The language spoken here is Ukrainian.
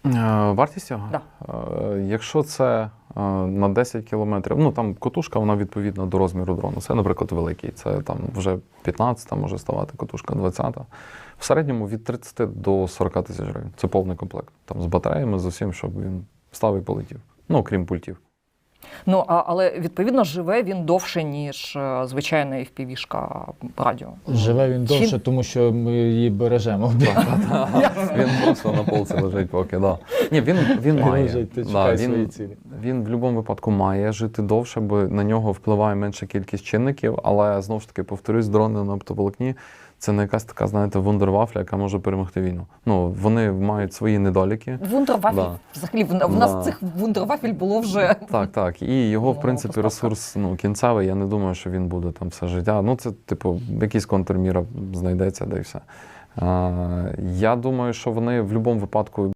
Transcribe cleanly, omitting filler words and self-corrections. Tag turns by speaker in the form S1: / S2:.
S1: Вартість його?
S2: Да.
S1: Якщо це на 10 кілометрів, ну там котушка, вона відповідна до розміру дрону. Це, наприклад, великий. Це там вже 15-та може ставати котушка, 20-та. В середньому від 30 до 40 тисяч гривень. Це повний комплект. Там з батареями, з усім, щоб він став і полетів. Ну, окрім пультів.
S2: Ну, але, відповідно, живе він довше, ніж звичайна FPV-шка радіо.
S3: Живе він довше, тому що ми її бережемо.
S1: Він просто на полці лежить поки, да. Ні, він має.
S3: Лежить, ти
S1: Да,
S3: чекай свої цілі.
S1: він в будь-якому випадку має жити довше, бо на нього впливає менша кількість чинників, але, знову ж таки, повторюсь, дрони на оптоволокні – це не якась така, знаєте, вундервафля, яка може перемогти війну. Ну, вони мають свої недоліки.
S2: Вундервафель,
S1: Да.
S2: взагалі, в нас цих вундервафель було вже...
S1: Так. І його, в принципі,
S2: поставка.
S1: ресурс кінцевий, я не думаю, що він буде там все життя. Ну, це, типу, якийсь контрміра знайдеться, де і все. Я думаю, що вони в будь-якому випадку